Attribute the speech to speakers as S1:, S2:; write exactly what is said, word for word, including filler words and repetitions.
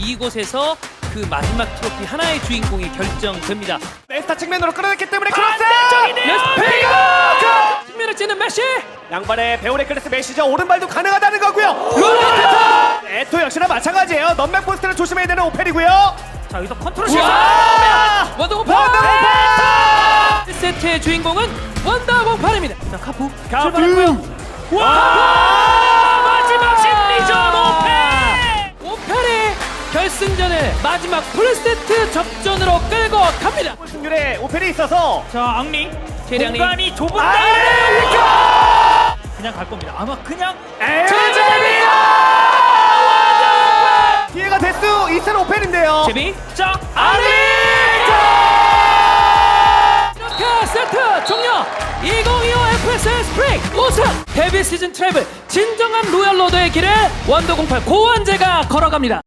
S1: 이곳에서 그 마지막 트로피 하나의 주인공이 결정됩니다.
S2: 네스타 측면으로 끌어냈기 때문에 크로스!
S1: 페이거! 측면을 찌는 메시!
S2: 양발의 베오레클레스 메시저 오른발도 가능하다는 거고요.
S1: 롤레타!
S2: 에토 역시나 마찬가지예요. 넘백 포스트를 조심해야 되는 오펠이고요.
S1: 자, 여기서 컨트롤
S2: 우와!
S1: 실수! 원더공팔!
S2: 원더공팔!
S1: 일 세트의 주인공은 원더공팔입니다. 자, 카푸
S2: 카푸!
S1: 출발했고요.
S2: 와!
S1: 마지막 심리전 오펠! 오펠이 결승전을 마지막 풀세트 접전으로 끌고 갑니다.
S2: 승률에 오펠이 있어서
S3: 자, 앙리
S1: 계량이.
S3: 공간이 좁은
S2: 아!
S3: 데 그냥 갈 겁니다. 아마 그냥
S2: 제제비야! 기회가 될 수 있을 오펠인데요.
S1: 제비
S3: 짝
S1: 아리! 이렇게 세트 종료! 이천이십오 에프에스엘 스프링 우승! 데뷔 시즌 트래블 진정한 로얄 로더의 길을 원더공팔 고원재가 걸어갑니다.